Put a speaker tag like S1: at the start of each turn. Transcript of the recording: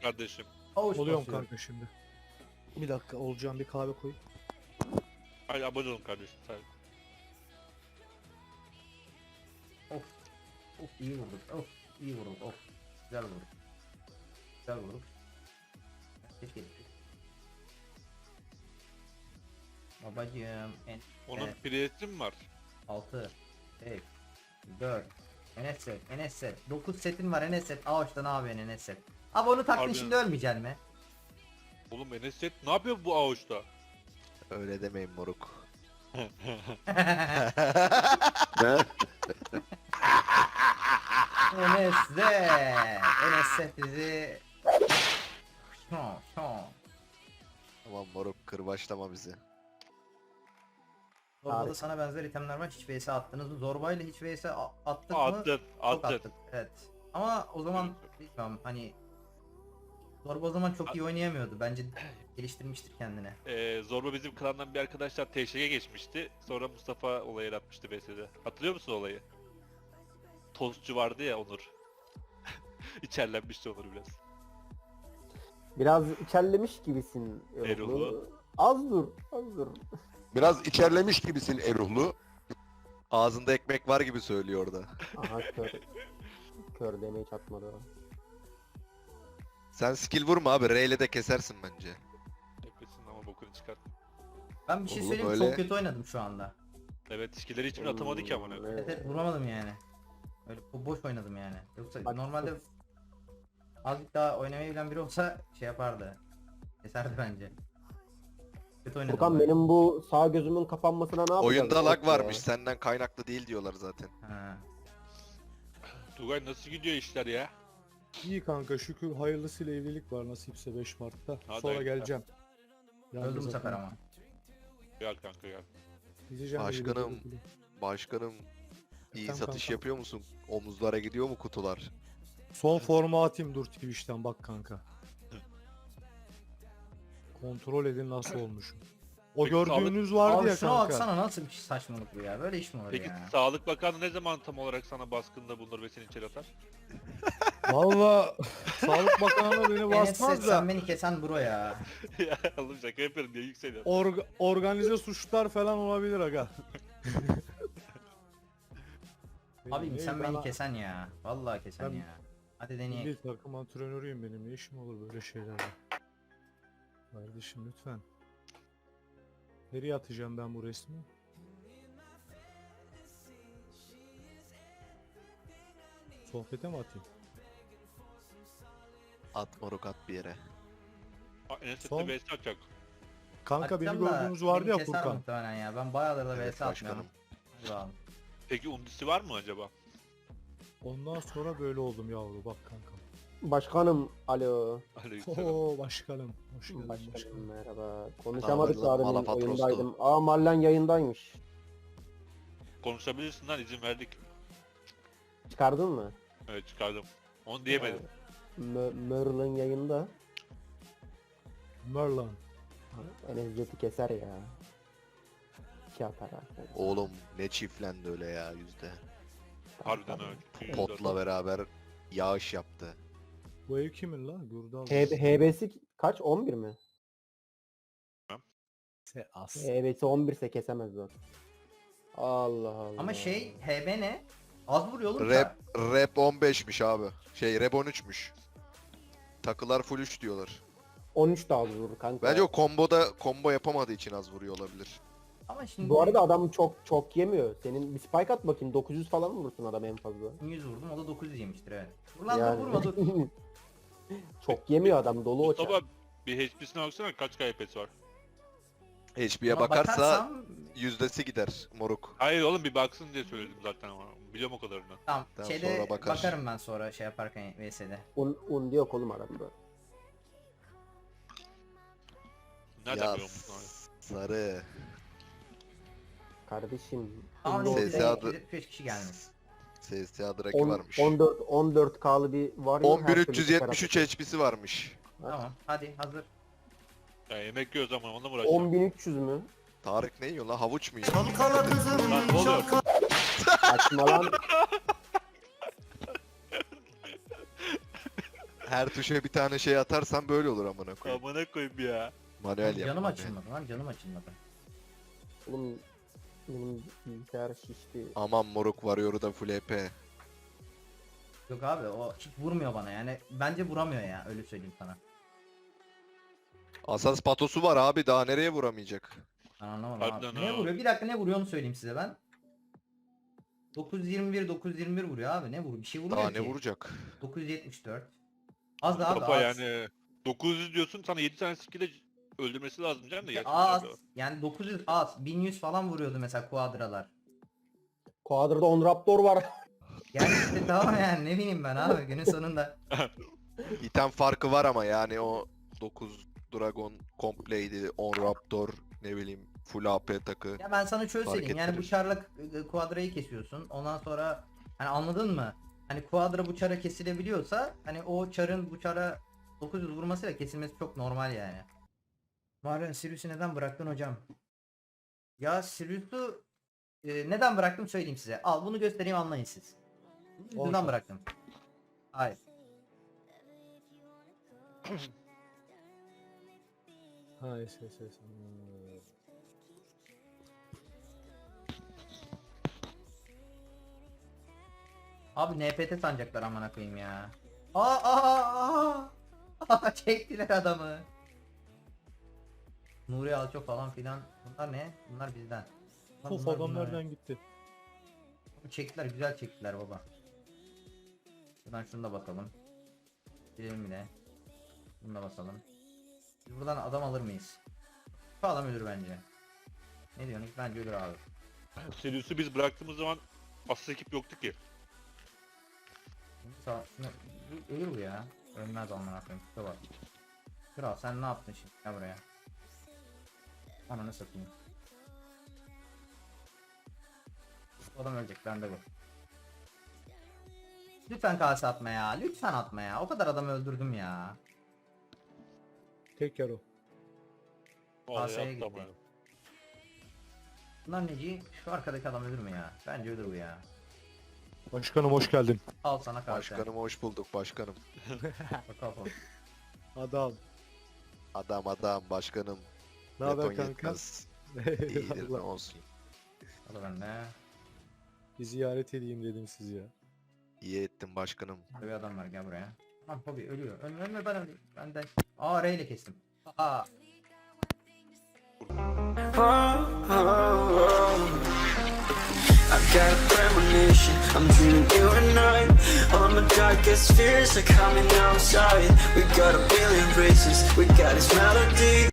S1: kardeşim.
S2: Avuç
S3: Oluyorum
S2: basıyorum.
S3: kanka şimdi. Bir dakika olacağım, bir kahve koy.
S1: Hadi abone olun kardeşim. Sen.
S2: Of iyi vurduk. Of iyi vurduk. Of güzel vurduk. Güzel vurduk. Keşke. Babacığım en
S1: Onun priyeti mi var?
S2: 6 5 4 Enes set, Enes set. 9 setin var Enes set. Ağaçta ne yapıyorsun Enes set? Abi onu taktın
S1: Harbiden.
S2: şimdi ölmeyeceksin mi?
S1: Oğlum Enes ne yapıyor bu avuçta?
S4: Öyle demeyin moruk.
S2: Enes de. Enes set bizi.
S4: Aman moruk kırbaçlama bizi.
S2: Zorbada sana benzer itemler var. Hiç vs attınız mı? Zorbayla hiç vs attık mı?
S1: Attın,
S2: Çok
S1: attın.
S2: attık. Evet. Ama o zaman bilmiyorum hani Zorba o zaman çok iyi oynayamıyordu. Bence geliştirmiştir kendine.
S1: Zorba bizim klandan bir arkadaşlar TŞ'ye geçmişti. Sonra Mustafa olayı yaratmıştı BS'de. Hatırlıyor musun olayı? Tostçu vardı ya Onur. İçerlenmişti Onur biraz.
S5: Biraz içerlemiş gibisin.
S1: Erol'u.
S5: Az dur, az dur.
S6: Biraz içerlemiş gibisin Eruhlu.
S4: Ağzında ekmek var gibi söylüyor orada.
S5: Aha kör. Kör demeyi çatmadı o.
S4: Sen skill vurma abi. R ile de kesersin bence.
S1: Nefesin ama bokunu çıkart.
S2: Ben bir şey
S4: Oğlum
S2: söyleyeyim mi?
S4: öyle-
S2: Çok kötü oynadım şu anda.
S1: Evet skill'leri hiçbirini atamadı ki amına.
S2: Evet, evet vuramadım yani. Öyle boş oynadım yani. Yoksa
S5: Bak-
S2: normalde azıcık daha oynamayı bilen biri olsa şey yapardı. Keserdi bence. Kötü oynadım.
S5: Furkan
S2: ben.
S5: benim bu sağ gözümün kapanmasına ne yapacağız?
S4: Oyunda lag
S5: Ya.
S4: varmış. Senden kaynaklı değil diyorlar zaten.
S2: Ha.
S1: Tugay nasıl gidiyor işler ya?
S3: İyi kanka, şükür hayırlısıyla evlilik var nasipse 5 Mart'ta.
S1: Hadi
S3: Sonra
S1: hayırlısı.
S3: geleceğim.
S2: Öldüm bu sefer ama.
S1: Gel kanka gel.
S3: Gideceğim
S4: Başkanım. Başkanım iyi
S3: Efendim
S4: satış
S3: kanka?
S4: yapıyor musun? Omuzlara gidiyor mu kutular?
S3: Son formu atayım dur Twitch'ten bak kanka. Kontrol edin nasıl olmuşum. O
S1: Peki,
S3: gördüğünüz vardı
S2: Abi
S3: ya
S2: şuna
S3: kanka.
S2: baksana nasıl bir saçmalık bu ya. Böyle iş mi olur
S1: Peki
S2: ya?
S1: Sağlık Bakanı ne zaman tam olarak sana baskında bulunur ve seni içeri atar?
S3: Valla Sağlık Bakanı beni
S2: Enes
S3: basmaz
S2: set,
S3: da
S2: sen beni kesen bro ya.
S1: Ya oğlum şaka yapıyorum diye yükseliyor.
S3: organize suçlar falan olabilir aga.
S2: Abim sen
S3: ben-
S2: beni kesen ya. Vallahi kesen
S3: Ben-
S2: ya. Hadi deneyelim.
S3: Milli takım antrenörüyüm benim. Ne işim olur böyle şeylerle? Kardeşim lütfen. Nereye atacağım ben bu resmi? Sohbete mi atayım?
S4: At moruk at bir yere.
S1: Enes
S3: Son-
S1: de BS atacak.
S3: Kanka beni
S2: Atacağım da
S3: gördüğünüz vardı
S2: beni
S3: ya
S2: keser
S3: Furkan.
S2: muhtemelen ya. Ben bayağıdır da
S4: Evet
S2: vs atmıyorum.
S4: başkanım.
S2: Hadi bakalım.
S1: Peki undisi var mı acaba?
S3: Ondan sonra böyle oldum yavru bak kankam.
S5: Başkanım, alo.
S1: Aleykümselam.
S3: Oo başkanım. Hoş geldin
S5: Başkanım
S3: başkanım.
S5: merhaba. Konuşamadık
S4: Tamam,
S5: daha demin
S4: Malapatros'tu.
S5: oyundaydım. Aa Marlen yayındaymış.
S1: Konuşabilirsin lan izin verdik.
S5: Çıkardın mı?
S1: Evet çıkardım. Onu diyemedim.
S5: Merlin yayında.
S3: Merlan.
S5: Enes Jet'i keser ya. 2 atar abi.
S4: Oğlum ne çiftlendi öyle ya yüzde.
S1: Harbiden öyle.
S4: Potla beraber yağış yaptı.
S3: Bu ev kimin lan? Gurdal.
S5: HB'si kaç? 11 mi?
S3: As.
S5: HB'si 11 ise kesemez o. Allah Allah.
S2: Ama şey HB ne? Az vuruyor oğlum
S4: Rap 15'miş abi. Şey rap 13'müş. Takılar full 3 diyorlar.
S5: 13 daha az vurur kanka.
S4: Bence o combo yapamadığı için az vuruyor olabilir.
S2: Ama şimdi
S5: Bu arada adam çok yemiyor. Senin bir spike at bakayım, 900 falan vurursun adam en fazla.
S2: 100 vurdum o da 900 yemiştir evet. Vur lan
S5: Yani.
S2: dur vurma dur.
S5: Çok yemiyor adam, dolu o
S1: Mustafa
S5: çar.
S1: bir HP'sine baksana kaç KP'si var.
S4: HP'ye
S2: Ona
S4: bakarsa
S2: bakarsam
S4: yüzdesi gider moruk.
S1: Hayır oğlum bir baksın diye söyledim zaten ama. Biliyorum o kadarını.
S2: tamam
S4: Tamam,
S2: şeyde
S4: sonra bakar.
S2: bakarım ben sonra şey yaparken VS'de.
S5: Un yok oğlum adamda.
S1: Nereden
S4: Ya
S1: biliyor musun abi?
S4: sarı.
S5: Kardeşim.
S2: Ama
S5: un
S4: Sesi
S2: neyse
S4: adı-
S2: 245 kişi gelmiş.
S4: CSA Draki varmış.
S5: 14K'lı bir var ya. her türlü
S4: 11373
S5: çıkar
S4: HP'si varmış.
S2: Tamam hadi hazır.
S1: Ya yemek yiyoruz ama onunla mı uğraşacağım?
S5: 10.300 mü?
S4: Tarık ne yiyor lan? Havuç mu yiyor?
S1: Lan ne oluyor?
S5: Saçma lan.
S4: Her tuşa bir tane şey atarsan böyle olur amına koyayım.
S1: Amına koyayım ya.
S4: Manuel yap.
S2: Canım
S4: manuel.
S2: açılmadı lan, canım açılmadı.
S5: Oğlum benim bilgisayar şişti.
S4: Aman moruk varıyor da full EP.
S2: Yok abi o hiç vurmuyor bana yani. Bence vuramıyor ya, öyle söyleyeyim sana.
S4: Asas patosu var abi, daha nereye vuramayacak?
S2: Ben anlamadım
S1: Harbiden
S2: abi. Ne
S1: ha.
S2: vuruyor? Bir dakika, ne vuruyor onu söyleyeyim size ben. 921 vuruyor abi, ne vuruyor? Bir şey vuruyor
S4: Daha
S2: ki.
S4: ne vuracak?
S2: 974. Az da abi,
S1: Mustafa
S2: az.
S1: yani 900 diyorsun, sana 7 tane skill'e öldürmesi lazım canım da
S2: Ya
S1: gerçekten.
S2: az.
S1: abi.
S2: Yani 900 az. 1100 falan vuruyordu mesela kuadralar.
S5: Quadra'da 10 Raptor var.
S2: Yani işte tamam yani, ne bileyim ben abi günün sonunda.
S4: İtem farkı var ama yani o 9 Dragon kompleydi, 10 Raptor, ne bileyim full AP takı.
S2: Ya ben sana şöyle
S4: Fark
S2: söyleyeyim, yani bu
S4: ettirir.
S2: çarla kuadrayı kesiyorsun. Ondan sonra hani anladın mı? Hani kuadra bu çara kesilebiliyorsa hani o çarın bu çara 900 vurmasıyla kesilmesi çok normal yani. Marion Sirius'u neden bıraktın hocam? Ya Sirius'u neden bıraktım söyleyeyim size. Al bunu göstereyim, anlayın siz. Neden
S3: Olsun.
S2: bıraktım? Hayır.
S3: Ha SS.
S2: Abi NPT sanacaklar amına koyayım ya. Aa! Çektiler adamı. Nuri Alço falan filan. Bunlar ne? Bunlar bizden.
S3: Of
S2: Bunlar,
S3: adam
S2: bunlar.
S3: nereden gitti?
S2: Çektiler, güzel çektiler baba. Buradan şunu da basalım. Gidelim bile. Bunu da basalım. Biz buradan adam alır mıyız? Şu adam ölür bence. Ne diyorsun? Bence ölür abi.
S1: Sirius'u biz bıraktığımız zaman asıl ekip yoktu ki.
S2: Ölür bu ya. Ölmez amına koyayım. Şuna bak. Kral sen ne yaptın şimdi? Gel buraya. Ananı satayım. Bu adam ölecek, bende bu. Lütfen kase atma ya. Lütfen atma ya. O kadar adam öldürdüm ya.
S3: Tek yer o.
S1: Vallahi
S2: Kaseye
S1: yaptı ama
S2: gitti.
S1: yani.
S2: Bunlar neci? Şu arkadaki adam ölür mü ya? Bence ölür bu ya.
S3: Başkanım hoş geldin.
S2: Al sana kase.
S4: Başkanım hoş bulduk başkanım.
S2: Bakalım.
S3: Adam.
S4: Adam başkanım.
S3: Ne haber
S4: Beton
S3: kanka?
S4: yetmez. İyidir ne
S3: Eyvallah.
S4: olsun.
S2: Al bende.
S3: Bir ziyaret edeyim dedim sizi ya.
S4: İyi ettin başkanım.
S2: Burada bir adam var, gel buraya. Tamam Bobby ölüyor. Ölme ben öleyim. Ben de. R ile kestim. Aa.
S7: I got a premonition, I'm dreaming you and I. All my darkest fears are coming outside. We got a billion races, we got this melody.